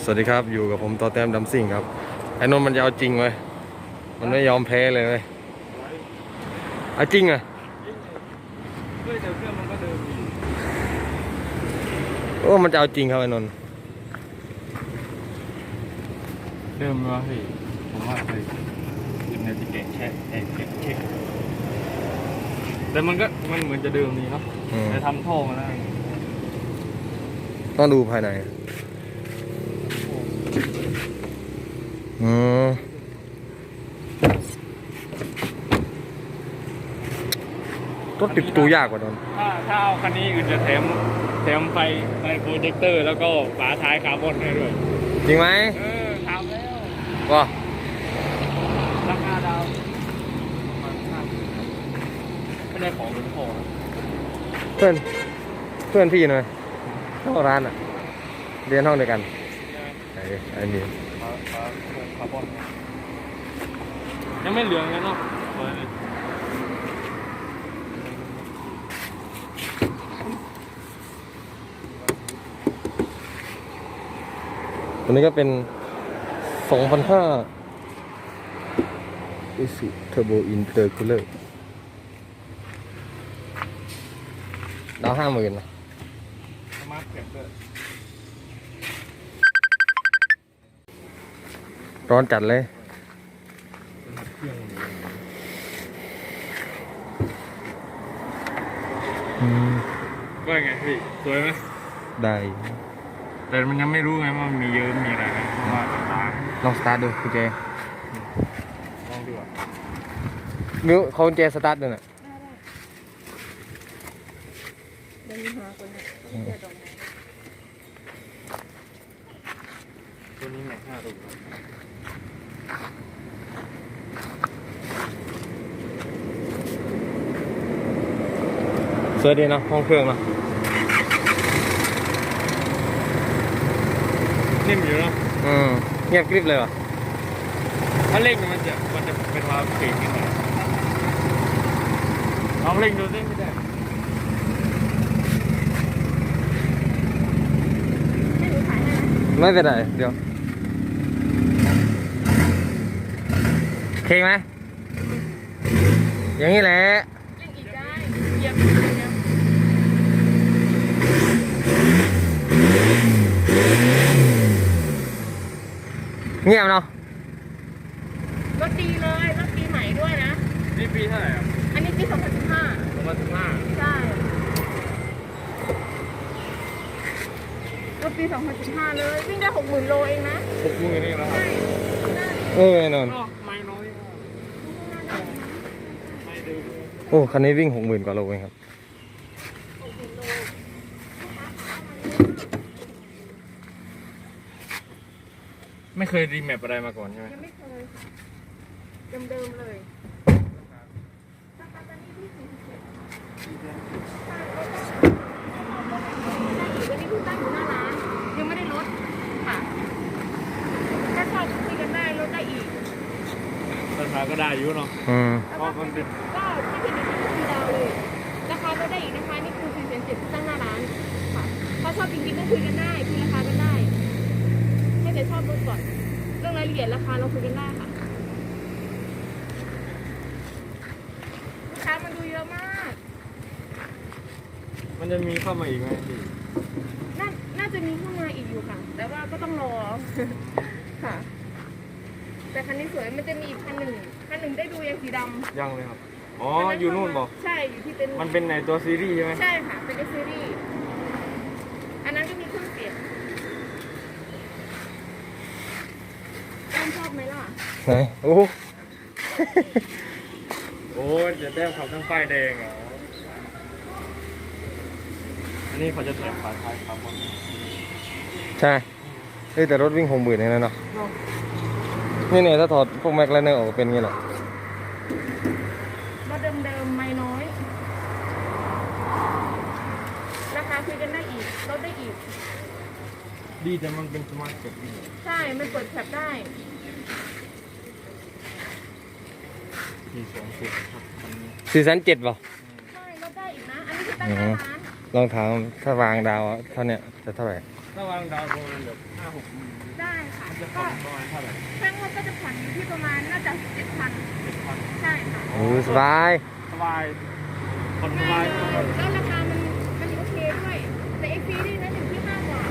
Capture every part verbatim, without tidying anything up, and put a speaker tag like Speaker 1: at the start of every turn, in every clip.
Speaker 1: สวัสดีครับอยู่กับผมต่อแต้มดำซิ่งครับไอ้นนท์มันจะเอาจริงไหมมันไม่ยอมแพ้เลยเว้ยเอาจริงอ่ะ
Speaker 2: ด้วยแต่เครื่องมันก็เดิมดี
Speaker 1: โอ้มันจะเอาจริงครับไอ้นนท์
Speaker 2: เดิมวะพี่ผมว่าเคยเป็นในที่เก่งแช่เองเช็คเช็คแต่มันก็มันเหมือนจะเดิมดีเนาะแต่ทำท่อมาแล้ว
Speaker 1: ต้องดูภายในอืมรถติดตัวยากกว่านนท์
Speaker 2: ถ้าถ้าเอาคันนี้อื่นจะแถมแถมไฟไฟโปรเจคเตอร์แล้วก็ฝาท้ายคาร์บอนให้ด้วย
Speaker 1: จริงไหม
Speaker 2: เออทำแล้ว
Speaker 1: ก็
Speaker 2: ราคาดาวไม่ได้ของหรือของ
Speaker 1: เพื่อนเพื่อนพี่หน่อยเข้าร้านอ่ะเรียนห้องเดียวกันไอ้ไอ้นี่
Speaker 2: ฝาฝาคาร์บอนยังไม่เหลืองเลยเนาะ
Speaker 1: ตัวนี้ก็เป็น สองพันห้า Isuzu Turbo Intercooler ดาวห้าหมื่นนะ
Speaker 2: สมาร์ทแก็บด้วย
Speaker 1: ร้อนจัดเลย
Speaker 2: ว่าไงพี่สวยไหม
Speaker 1: ได้
Speaker 2: แต่มันยังไม่รู้ไงว่ามันมีเยอะมีอะไรเพราะว่าตา
Speaker 1: ลองสตาร์ทดูคุณเจ
Speaker 2: ลองดูอ่ะ
Speaker 1: นิ้วเขาเจสตาร์ทดูน่ะ
Speaker 3: เดี๋ยวมีหาคนเนี่ย
Speaker 2: ตัวนี้แม็กห้าตัว
Speaker 1: สวยดีเนาะห้องเครื่องเนาะ
Speaker 2: นิ่มอยู่เนาะ
Speaker 1: อืมเงียบกริบเลยว่ะ
Speaker 2: ถ้าเร่งมันจะมันจะเป็นความเก่งขึ้นมาลองเร่งดูสิไม่ได้
Speaker 3: ให้หนูถ่ายให้ไหม
Speaker 1: ไม่เป็นไรเดี๋ยวโอเคไหมอย่างนี้แหละ
Speaker 3: เล่นอีกได้เหยียบอีกเดียว
Speaker 1: เงียบเนาะ
Speaker 3: รถดีเลยรถปีใหม่ด้วยนะ
Speaker 2: นี่ปีเท่าไหร่ครับ
Speaker 3: อันนี้ปีสองพันสิบห้า
Speaker 2: สองพันสิบห้า
Speaker 3: ใช่รถปีสองพันสิบห้าเลยวิ่งได้หกหมื่นโลเองนะ
Speaker 2: หกหมื่นนี่แล้วครับ
Speaker 1: เออแน่นอน
Speaker 2: ไม่น้อยไม่ดื้อ
Speaker 1: โอ้คันนี้วิ่งหกหมื่นกว่าโลเองครับ
Speaker 2: ไม่เคยรีแมปอะไรมาก่อนใช่ไหม
Speaker 3: ยังไม่เคยเดิมๆเลยวันนี้เพิ่งตั้งอยู่หน้าร้านยังไม่ได้ลดค่ะถ้าชอบคุยกันได้ลดได้อีก
Speaker 2: ราคาก็ได้อยู่เนาะ
Speaker 1: อืม
Speaker 2: เพราะมันเป็น
Speaker 3: ก็ที่เป็นที่ดาวเลยราคาลดได้อีกนะคะนี่คือสี่แสนเจ็ดตั้งหน้าร้านค่ะถ้าชอบจริงๆก็คุยกันได้คุยราคากันได้ให้แต่ชอบลดก่อนเรื่องรายละเอียดราคาเราคุยกันได้ค่ะลูกค้ามันดูเยอะมาก
Speaker 2: มันจะมีเข้ามาอีกไหมพี่
Speaker 3: น่าน่าจะมีเข้ามาอีกอยู่ค่ะแต่ว่าก็ต้องรอค่ะแต่คันนี้สวยมันจะมีอีกคันหนึ่งคันหนึ่งได้ดูยังสีดำ
Speaker 2: ยังเลยครับอ๋ออยู่นู่นบอก
Speaker 3: ใช่อยู่ที่เป็น
Speaker 2: มันเป็นในตัวซีรีส์ใช่ไหม
Speaker 3: ใช่ค่ะเป็นซีรีส์อันนั้นก็มีเครื่องเสียงชอบไหมล่ะ
Speaker 1: ไหนโอ้
Speaker 2: โอ้ยจะแต้มขับทั้งไฟแดงเหรออันนี้เขาจะแถมฝาท้ายครับ
Speaker 1: ใช่เฮ้ยแต่รถวิ่งหกหมื่นเองนะเนาะนี่เนี่ยถ้าถอดพวกแม็กไลเนอร์ออกเป็นงี้แหละ
Speaker 3: รถเดิมๆไม่น้อยราคาคุยกันได้อีกลดได้อีก
Speaker 2: ดีแต่มันเป็นสมาร์ทเก็บ
Speaker 3: ใช่มันเปิดแคปได้
Speaker 2: สี่สองสิบ
Speaker 1: สี่แสนเจ็ดป่ะ
Speaker 3: ใช่ลดได้อีกนะอันนี้คือตั้งร้าน
Speaker 1: ลองถามถ้าวางดาวเท่านี้จะเท่าไหร่
Speaker 2: ถ้าวางดาวประมาณแบบห้าห้าหกหมื่น
Speaker 3: ได้ค่ะ
Speaker 2: จะผ่
Speaker 3: ก็
Speaker 2: อนประมาณเท่าไหร่
Speaker 3: แค่งวดก็จะผ่อนอยู่ที่ประมาณน่าจะเจ็ดพัน
Speaker 2: เจ็ดพัน
Speaker 3: ใช่ค่ะ
Speaker 1: โอ้สบาย
Speaker 2: สบายผ่อนส
Speaker 3: ง่า
Speaker 2: บาย ย
Speaker 3: เลยแล้วราคามันมันโอเคด้วยแต่เอ็กซีรีนั้นอยู่ที่ห้ากว่า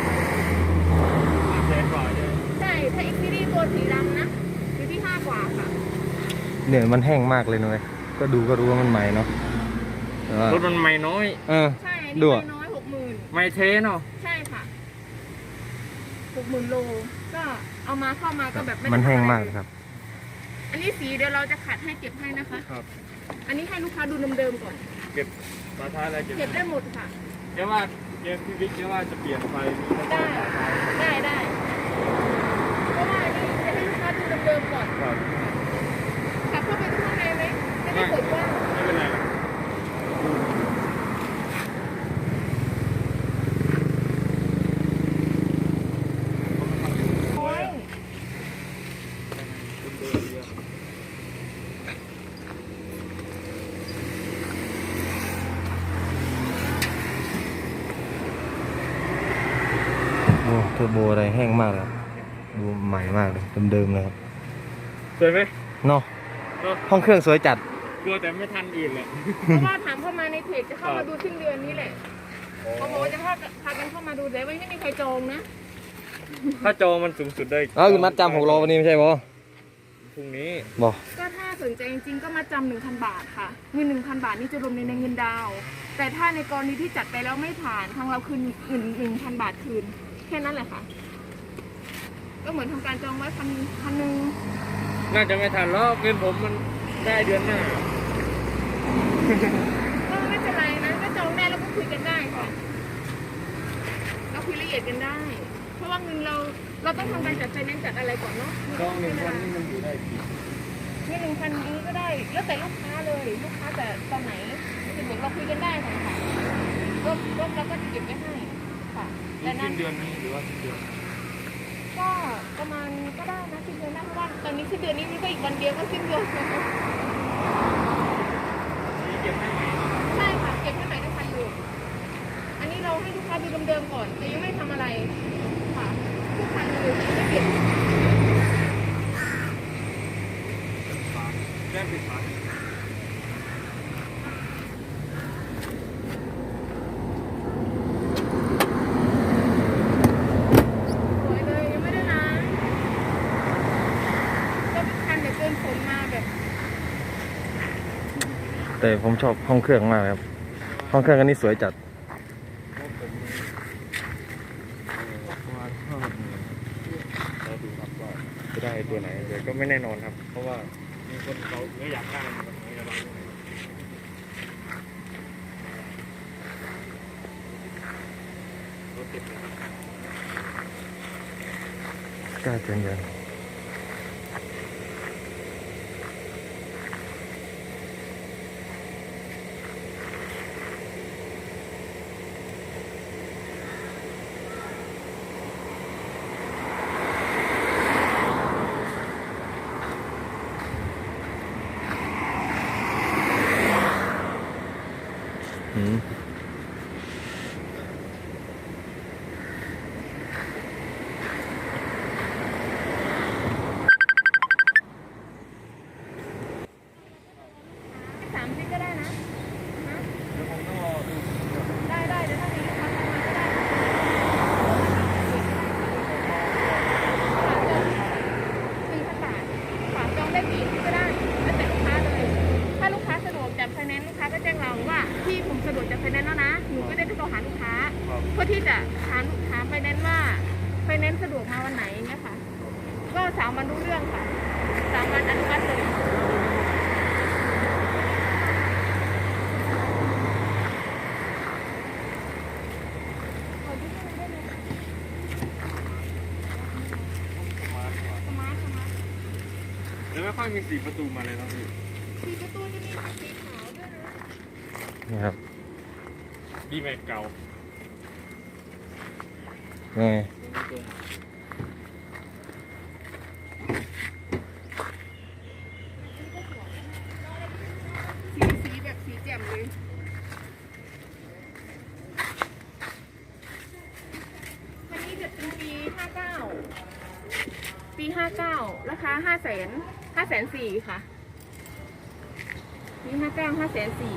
Speaker 2: แสนกว่าใช่ไหม
Speaker 3: ใช่ถ้าเอ็กซีรีตัวสีดำนะอยู่ที่ห้ากว่าค่ะ
Speaker 1: เนี่ยมันแห้งมากเลยนะเว้ยก็ดูก็รู้ว่ามันใหม่เนาะแต่ว่าร
Speaker 2: ถมันไม่น้อย
Speaker 1: เออ
Speaker 3: ใช่อัน
Speaker 1: ดู
Speaker 3: นี้
Speaker 1: อะ
Speaker 3: ไม่น้อยหกหมื่น
Speaker 2: ไม่เทเนาะ
Speaker 3: ใช่ค่ะหกหมื่นโลก็เอามาเข้ามาก็แบบไได้
Speaker 1: มันแห้ง
Speaker 3: ทำอะไร
Speaker 1: มากเลยครับ
Speaker 3: อันนี้สีเดี๋ยวเราจะขัดให้เก็บให้นะคะ
Speaker 2: ครับ
Speaker 3: อันนี้ให้ลูกค้าดูเดิมๆก่อน
Speaker 2: เก็บฝาท้ายอะไรเก็บ
Speaker 3: เก็บได้หมดค่ะ
Speaker 2: แค่ว่าเกมพี่บิ๊กแค่ว่าจะเปลี่ยนไฟแล้วก็
Speaker 3: ได้
Speaker 2: ฝาท้าย
Speaker 3: ได้ได้เพราะว่าอันนี้จะให้ลูกค้าดูเดิมๆก่อน
Speaker 2: ครับ
Speaker 3: ขับเข้าไปข้างในไหมจะได้เปิดกว้าง
Speaker 2: ไม่เป็นไรหรอก
Speaker 3: โอ้ย
Speaker 1: โอ้เทอร์โบอะไรแห้งมากเลยครับดูใหม่มากเลยเดิมๆเลยครับ
Speaker 2: สวยไหม
Speaker 1: เนาะ
Speaker 2: เนาะ
Speaker 1: ห้องเครื่องสวยจัด
Speaker 2: กลัวแต่ไม่ทันอื่นเลย
Speaker 3: เพราะว่าถามเข้ามาในเพจจะเข้ามาดูสิ้นเดือนนี้แหละเขาบอกว่าจะพาพากันเข้ามาดูแต่ว่าไม่มีใครจองนะ
Speaker 2: ถ้าจองมันสูงสุดได้
Speaker 1: เอ้าคือมัดจำหกล้อวันนี้ไม่ใช่บอ
Speaker 2: พรุ่งนี้
Speaker 1: บอก
Speaker 3: ก็ถ้าสนใจจริงๆก็มาจำหนึ่งพันบาทค่ะเงินหนึ่งพันบาทนี่จะรวมในเงินดาวน์แต่ถ้าในกรณีที่จัดไปแล้วไม่ผ่านทางเราคืนเงินหนึ่งพันบาทคืนแค่นั้นแหละค่ะ ก็เหมือนทำการจองไว้พันพันหนึ่ง
Speaker 2: น่าจะไม่ทันแล้วเงินผมมันได้เดือนหน้า
Speaker 3: ก็ไม่เป็นไรนะก็จองได้แล้วก็คุยกันได้ค่ะเราคุยละเอียดกันได้ เพราะว่าเงินเราเราต้องทำการจัดไฟแนนซ์จัดอะไรก่อนเนาะ
Speaker 2: จองหนึ่งพันนี่มันอยู่ได้กี่
Speaker 3: เงินหนึ่งพันนี้ก็ได้ แล้วแต่ลูกค้าเลยลูกค้าแต่ตอนไหนสะดวกเราคุยกันได้ค่ะค่ะก็ก็เราก็จะเก็บไว้ให้ค่ะแต่
Speaker 2: สิ้
Speaker 3: นั้น
Speaker 2: นเดือนนี้หรือว่าสิ้นเดือน
Speaker 3: ก็ประมาณก็ได้นะสิ้นเดือนหน้าเพราะว่าตอนนี้สิ้นเดือนนี้นี่ก็อีกวันเดียวก็สิ้นเดือนแล้ว
Speaker 2: นี่เก็บให้ไหม
Speaker 3: ใช่ค่ะเก็บให้ใหม่ได้ทันอยู่อันนี้เราให้ลูกค้าดูเดิมๆก่อนแต่ยังไม่ทำอะไรค่ะทุกคันเลยไม่เก็บ
Speaker 2: ฝาแก้มปิดฝา
Speaker 3: สวยเลยยังไม่ได้ล้างก็เป็นคันเดี๋ยวเกินฝนมาแบบ
Speaker 1: แต่ผมชอบห้องเครื่องมากเลยครับห้องเครื่องอันนี้สวยจัด
Speaker 2: ประมาณห้าหกหมื่นเราดูครับว่าจะได้ตัวไหนแต่ก็ไม่แน่นอนครับ เพราะว่ามีคนเขาไม่อยากได้เหมือนกันไม่อยากได้รถติดเลย
Speaker 1: กล้าจังยังอืม
Speaker 3: สามสิบก็ได้นะนะ
Speaker 2: เดี๋ยวผมต้องรอดู
Speaker 3: ได้ได้เดี๋ยวถ้ามีลูกค้าเข้ามาก็ได้หนึ่งพันบาทฝากจองได้กี่ที่ก็ได้แล้วแต่ลูกค้าเลย ถ้าลูกค้าสะดวกจัดไฟแนนซ์ลูกค้าก็แจ้งเราว่าพี่ผมสะดวกจัดไฟแนนซ์แล้วนะหนูก็ได้โทรหาลูกค้า
Speaker 2: ครับ
Speaker 3: เพื่อที่จะถามถามไฟแนนซ์ว่าไฟแนนซ์สะดวกมาวันไหนเนี่ยค่ะ ก็สามวันรู้เรื่องค่ะสามวันอนุมัติเลย ขอดูให้มันได้ไหม
Speaker 2: ประมาณกว่า
Speaker 3: สมาร์ทสมาร์ท
Speaker 2: แล้วไม่ค่อยมีสีประตูมาเลยนะพี่
Speaker 3: สีประตูจะมีสีขาวด้วยนะ
Speaker 1: นี่ครับ
Speaker 2: ดีแม็กเก่า
Speaker 1: นี่ไง
Speaker 3: สีสีแบบสีแจ่มเลยคันนี้จะเป็นปีห้าปีห้าเก้าราคาห้าแสนห้าแสนสี่ค่ะปีห้าเก้าห้าแสนสี่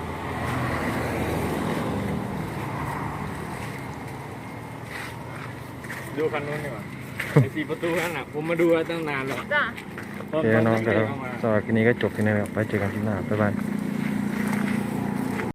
Speaker 2: ดูคันนู้นดีกว่าไอสี่ประตูนั่นน่ะผมมาดูตั้งนานแล้ว
Speaker 3: จ้ะ
Speaker 1: โอเคน้องครับสำหรับคลิปนี้ก็จบที่นี่แล้วไปเจอกันคลิปหน้าบ๊ายบาย